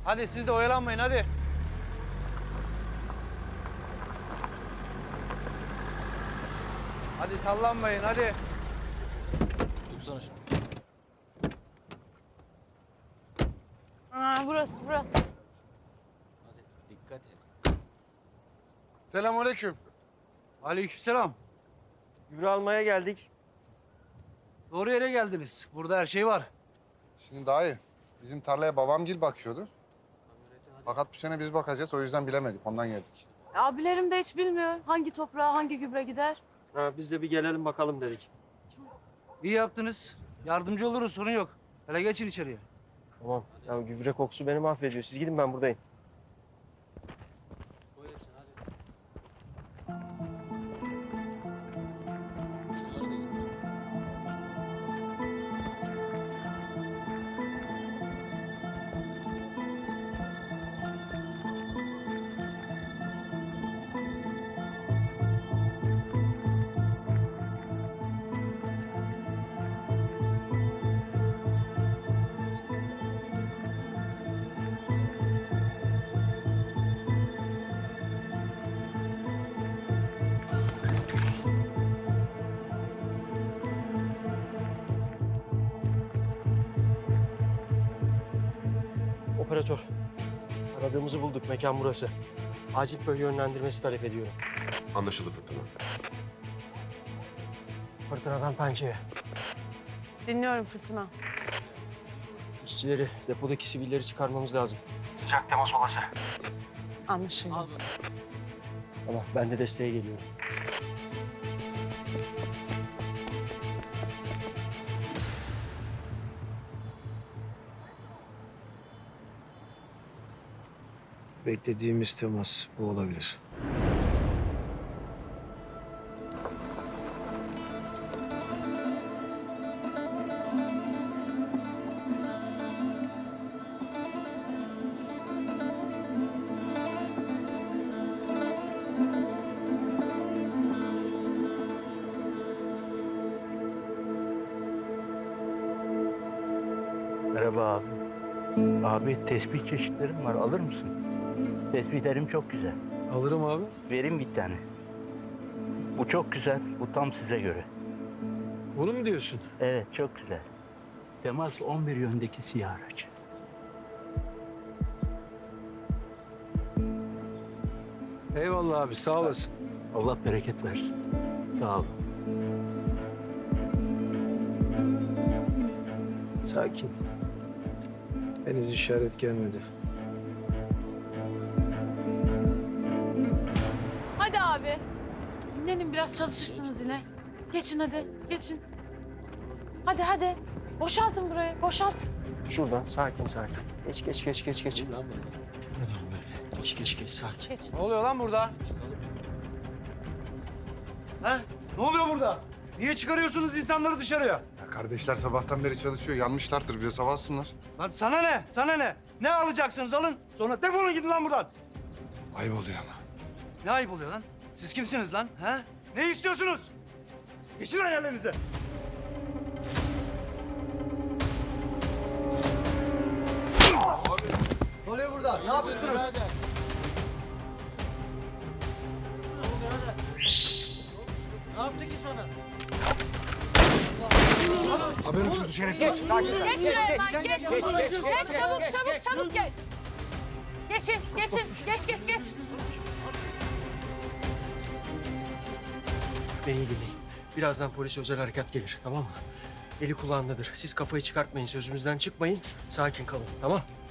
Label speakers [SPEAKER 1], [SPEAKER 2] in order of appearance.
[SPEAKER 1] Hadi siz de oyalanmayın hadi. Hadi sallanmayın hadi.
[SPEAKER 2] Dursana şunu.
[SPEAKER 3] Burası.
[SPEAKER 2] Hadi dikkat et.
[SPEAKER 4] Selamünaleyküm.
[SPEAKER 1] Aleykümselam.
[SPEAKER 5] Gübre almaya geldik.
[SPEAKER 1] Doğru yere geldiniz. Burada her şey var.
[SPEAKER 4] Şimdi dayı, bizim tarlaya babamgil bakıyordu. Fakat bu sene biz bakacağız, o yüzden bilemedik, ondan geldik.
[SPEAKER 3] Abilerim de hiç bilmiyor hangi toprağa hangi gübre gider.
[SPEAKER 5] Biz de bir gelelim bakalım dedik.
[SPEAKER 1] İyi yaptınız. Yardımcı oluruz, sorun yok. Hele geçin içeriye.
[SPEAKER 5] Tamam. Ya gübre kokusu beni mahvediyor. Siz gidin, ben buradayım.
[SPEAKER 2] Koy hepsini hadi. Şunları da getir.
[SPEAKER 5] Operatör. Aradığımızı bulduk. Mekan burası. Acil bölge yönlendirmesi talep ediyorum.
[SPEAKER 6] Anlaşıldı Fırtına.
[SPEAKER 5] Fırtınadan pençeye.
[SPEAKER 3] Dinliyorum Fırtına.
[SPEAKER 5] İşçileri, depodaki sivilleri çıkarmamız lazım.
[SPEAKER 3] Anlaşıldı.
[SPEAKER 2] Al bunu.
[SPEAKER 5] Ama ben de desteğe geliyorum.
[SPEAKER 7] Beklediğimiz temas bu olabilir.
[SPEAKER 8] Merhaba abi. Abi tespih çeşitlerim var. Alır mısın? Tespihlerim çok güzel.
[SPEAKER 7] Alırım abi.
[SPEAKER 8] Vereyim bir tane. Bu çok güzel. Bu tam size göre.
[SPEAKER 7] Bunu mu diyorsun?
[SPEAKER 8] Evet çok güzel. Temas 11 yöndeki siyah araç.
[SPEAKER 7] Eyvallah abi, sağ olasın.
[SPEAKER 8] Allah bereket versin. Sağ ol.
[SPEAKER 7] Sakin. Henüz işaret gelmedi.
[SPEAKER 3] Hadi abi. Dinlenin biraz çalışırsınız yine. Geçin hadi geçin. Hadi. Boşaltın burayı boşalt.
[SPEAKER 5] Şuradan sakin. Geç.
[SPEAKER 2] Dur lan bunu.
[SPEAKER 5] Geç sakin.
[SPEAKER 3] Geç.
[SPEAKER 1] Ne oluyor lan burada?
[SPEAKER 2] Çıkalım.
[SPEAKER 1] Ha? Ne oluyor burada? Niye çıkarıyorsunuz insanları dışarıya?
[SPEAKER 4] Ya kardeşler sabahtan beri çalışıyor, yanmışlardır, biraz hava alsınlar.
[SPEAKER 1] Lan sana ne? Sana ne? Ne alacaksınız alın. Sonra defolun gidin lan buradan.
[SPEAKER 4] Ayıp oluyor ama.
[SPEAKER 1] Ne ayıp oluyor lan? Siz kimsiniz lan? Ha? Ne istiyorsunuz? Geçin lan yerlerinize. Ne oluyor burada? Ne yapıyorsunuz?
[SPEAKER 4] Haber uçurdu şerefsiz.
[SPEAKER 3] Geç şuraya hemen geç. Geç çabuk geç. Geçin. Geç.
[SPEAKER 5] Beni iyi dinleyin. Birazdan polis özel harekat gelir, tamam mı? Eli kulağındadır. Siz kafayı çıkartmayın, sözümüzden çıkmayın. Sakin kalın, tamam?